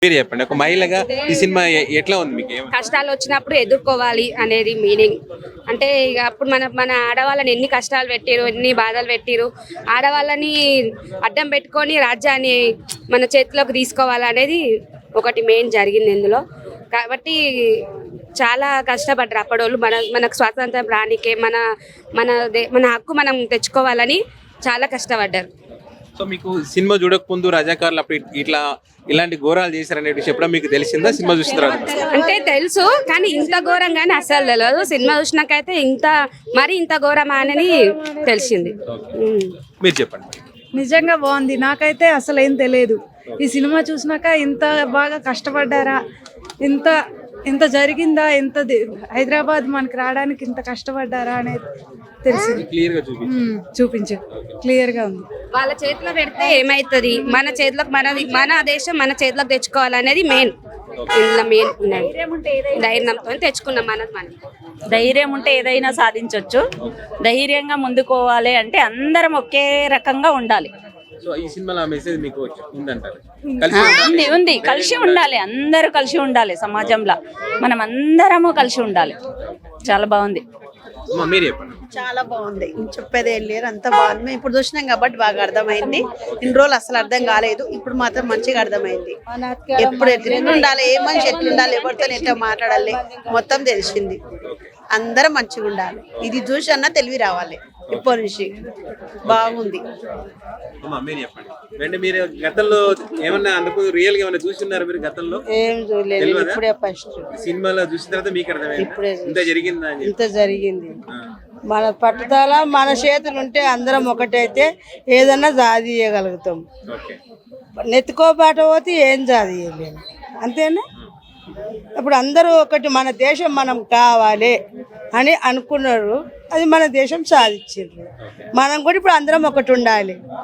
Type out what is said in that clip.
మీరు చెప్పండి, ఒక మహిళగా ఈ సినిమా ఎట్లా ఉంది మీకు? కష్టాలు వచ్చినప్పుడు ఎదుర్కోవాలి అనేది మీనింగ్. అంటే ఇక అప్పుడు మన మన ఆడవాళ్ళని ఎన్ని కష్టాలు పెట్టిరు, ఎన్ని బాధలు పెట్టిరు, ఆడవాళ్ళని అడ్డం పెట్టుకొని రాజ్యాన్ని మన చేతిలోకి తీసుకోవాలనేది ఒకటి మెయిన్ జరిగింది ఇందులో. కాబట్టి చాలా కష్టపడ్డారు అప్పడోళ్ళు మనకు స్వాతంత్రం రానికే మన హక్కు మనం తెచ్చుకోవాలని చాలా కష్టపడ్డారు. సో మీకు సినిమా చూడక ముందు రజాకారులు అప్పుడు ఇలాంటి ఘోరాలు చేశారనే విషయం ఎప్పుడో మీకు తెలిసిందా సినిమా చూసిన తర్వాత? అంటే తెలుసు, కానీ ఇంత ఘోరంగానే అసలు తెలియదు. సినిమా చూసినాకైతే ఇంత ఘోరమా అని తెలిసింది. మీరు చెప్పండి. నిజంగా బాగుంది. నాకైతే అసలు ఏం తెలియదు. ఈ సినిమా చూసినాక ఇంత బాగా కష్టపడ్డారా, ఇంత జరిగిందా, హైదరాబాద్ మనకి రావడానికి ఇంత కష్టపడ్డారా అనేది తెలిసింది. చూపించు, క్లియర్ గా ఉంది. వాళ్ళ చేతిలో పెడితే ఏమైతుంది, మన చేతిలోకి మన దేశం మన చేతిలోకి తెచ్చుకోవాలనేది మెయిన్. ఇందులో మెయిన్ ధైర్యంతో తెచ్చుకున్నాం మనం. ధైర్యం ఉంటే ఏదైనా సాధించవచ్చు. ధైర్యంగా ముందుకోవాలి అంటే అందరం ఒకే రకంగా ఉండాలి. సో ఈ సినిమాలో మెసేజ్ మీకు ఉందంటారు? ఉంది. కలిసి ఉండాలి, అందరూ కలిసి ఉండాలి. సమాజంలో మనం అందరము కలిసి ఉండాలి. చాలా బాగుంది. మీరు చెప్పండి. చాలా బాగుంది, చెప్పేది ఏం లేదు, అంత బాగుంది. మేము ఇప్పుడు చూసినాం కాబట్టి బాగా అర్థమైంది. ఇన్ని రోజులు అసలు అర్థం కాలేదు, ఇప్పుడు మాత్రం మంచిగా అర్థమైంది. ఎప్పుడు ఎట్లుండాలి, ఏ మనిషి ఎట్లుండాలి, ఎవరితో ఎట్లా మాట్లాడాలి మొత్తం తెలిసింది. అందరం మంచిగా ఉండాలి. ఇది చూసి అన్న తెలివి రావాలి. ఇప్పటి నుంచి బాగుంది. మీరు చెప్పండి. మీరు గతంలో ఏమన్నా అనుకో రియల్ గా ఏమన్నా చూస్తున్నారు మీరు గతంలో? ఏం చూడలేదు, ఇప్పుడే ఫస్ట్ సినిమాలో చూసిన తర్వాత మీకు అర్థమైంది ఇప్పుడే ఇంత జరిగిందా అని? ఇంత జరిగింది. మన పట్టుదల మన చేతులు ఉంటే అందరం ఒకటైతే ఏదన్నా సాధించగలుగుతాం. నెత్తుకోబాట పోతే ఏం సాధించలేము, అంతేనా? ఇప్పుడు అందరూ ఒకటి, మన దేశం మనం కావాలి అని అనుకున్నారు, అది మన దేశం సాధించారు. మనం కూడా ఇప్పుడు అందరం ఒకటి ఉండాలి.